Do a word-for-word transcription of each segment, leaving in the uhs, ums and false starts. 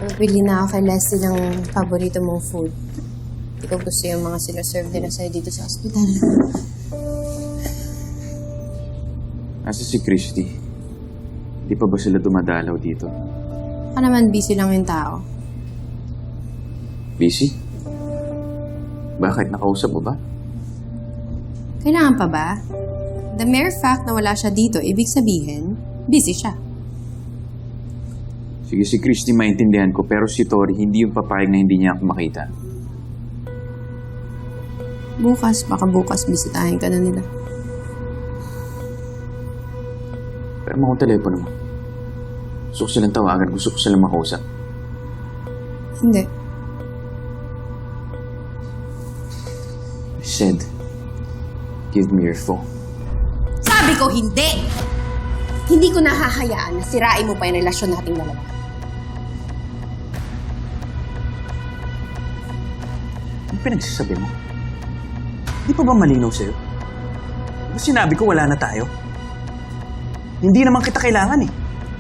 Pagpili na ako kay Leslie ng paborito mong food. Hindi ko gusto yung mga sinaserve nila sa'yo dito sa ospital. Asa si Christy? Di pa ba sila dumadalaw dito? Baka naman busy lang yung tao. Busy? Bakit? Nakausap mo ba? Kailangan pa ba? The mere fact na wala siya dito, ibig sabihin, busy siya. Sige, si Christy maintindihan ko, pero si Tori hindi yung papayag na hindi niya ako makita. Bukas, baka bukas bisitahin ka na nila. Pero mo akong telepono mo. Gusto ko silang tawagan, gusto ko silang makausap. Hindi. I said, give me your phone. Sabi ko hindi! Hindi ko nahahayaan na sirain mo pa yung relasyon nating dalawa. Ano pinagsasabi mo? Di pa ba malinaw sa'yo? Di ba sinabi ko wala na tayo? Hindi naman kita kailangan eh.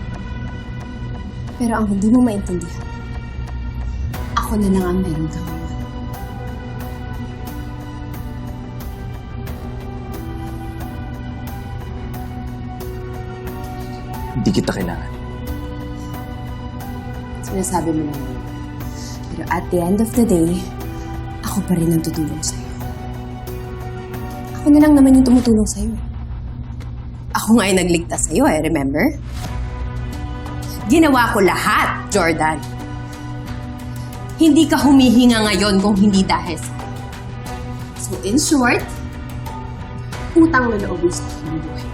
Pero ang hindi mo maintindihan, ako na lang ang meron kang iwan. Hindi kita kailangan. Sinasabi mo lang yun. Pero at the end of the day, ako pa rin ang tutulong sa'yo. Ako na lang naman yung tumutulong sa'yo. Ako nga yung nagligtas sa'yo eh, remember? Ginawa ko lahat, Jordan. Hindi ka humihinga ngayon kung hindi dahil sa akin. So in short, utang na loob sa akin ang buhay.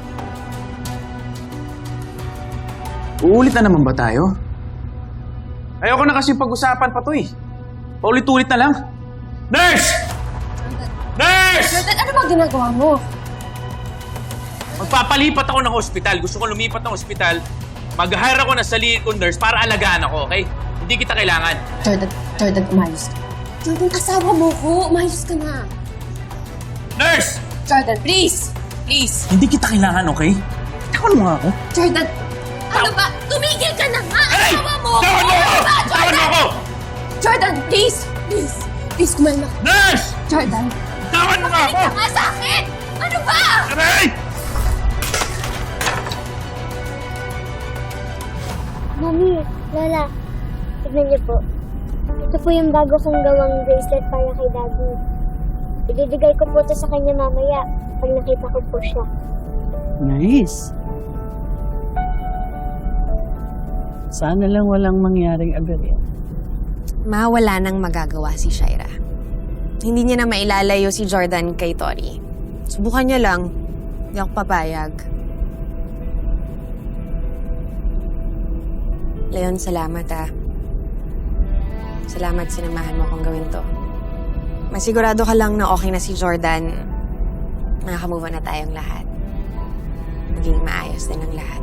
Uulit na naman ba tayo? Ayoko na kasi pag-usapan pa to eh. Paulit-ulit na lang. Nurse! Nurse! Jordan, ano ba ginagawa mo? Magpapalipat ako ng hospital. Gusto ko lumipat ng hospital. Mag-hire ako ng sarili kong nurse para alagaan ako, okay? Hindi kita kailangan. Jordan, Jordan, umayos ka. Jordan, asawa mo ko. Umayos ka na. Nurse! Jordan, please! Please! Hindi kita kailangan, okay? Tawan mo nga ako. Jordan! Ano ba? Tumigil ka na nga! Aray! Asawa mo ko! Tawan mo ako! Ano ba, Tawan mo Jordan? ako! Jordan, please! Please! Please, kumalma ka. Nurse! Jordan! Tawan mo nga ako! Makinig ka nga sa akin! Ano ba? Aray! Mami, Lola, tignan niyo po. Ito po yung bago kong gawang bracelet para kay Daddy. Ibibigay ko po ito sa kanya mamaya pag nakita ko po siya. Nice. Sana lang walang mangyaring aberya. Ma, wala nang magagawa si Shaira. Hindi niya na mailalayo si Jordan kay Tori. Subukan niya lang. Hindi ako papayag. Leon, salamat ah. Salamat sinamahan mo akong gawin to. Masigurado ka lang na okay na si Jordan. Nakaka-move on na tayong lahat. Maging maayos din ang lahat.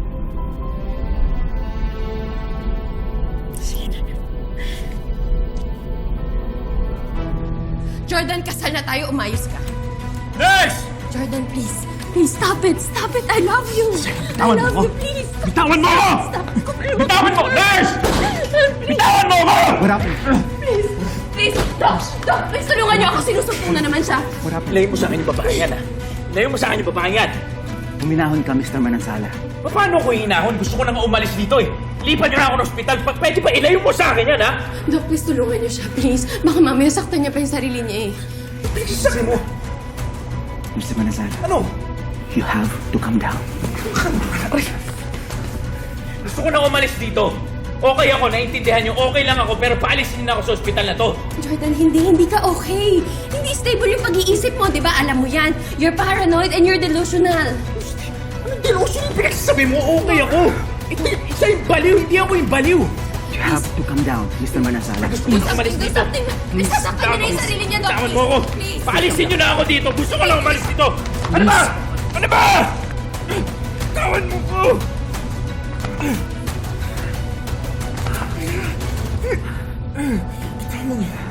Jordan, kasal na tayo. Umayos ka. Nurse! Jordan, please. Please, stop it. Stop it. I love you. I Bitawan mo love ako. you, please. Bitawan mo ako! Bitawan mo! Nurse! Bitawan mo ako! Please. Please. Doc, Doc, please tulungan niyo ako. Sinusumpong na naman siya. Ilayo mo sa akin yung babae yan, ha? Ilayo mo sa akin yung babae yan. Huminahon ka, Mister Manansala. Paano ko hinahon? Gusto ko na nga umalis dito, eh. Lipat niyo na ako ng ospital. Pag pwede ba, ilayo mo sa akin yan, ha? Doc, please tulungan niyo siya, please. Baka mamaya saktan niya pa yung sarili niya eh. Sabi mo, Mister Manansala, ano? you have to come down. Gusto ko na umalis dito. Okay ako, naiintindihan niyo. Okay lang ako, pero paalisin na ako sa ospital na to. Jordan, hindi, hindi ka okay. Hindi stable yung pag-iisip mo, di ba? Alam mo yan. You're paranoid and you're delusional. Anong delusion yung pinagsasabi mo? Okay ako. Ito, isa yung baliw, hindi ako yung baliw. You have to come down, Mister Manansala. Gusto ko na umalis dito. Please, sasaktan niya na yung sarili niya, Doc. Tawan mo ako. Please. Paalisin niyo na ako dito. Gusto ko lang umalis dito. Ano ba? Ano ba? Tawan mo ko. Tawan mo nga.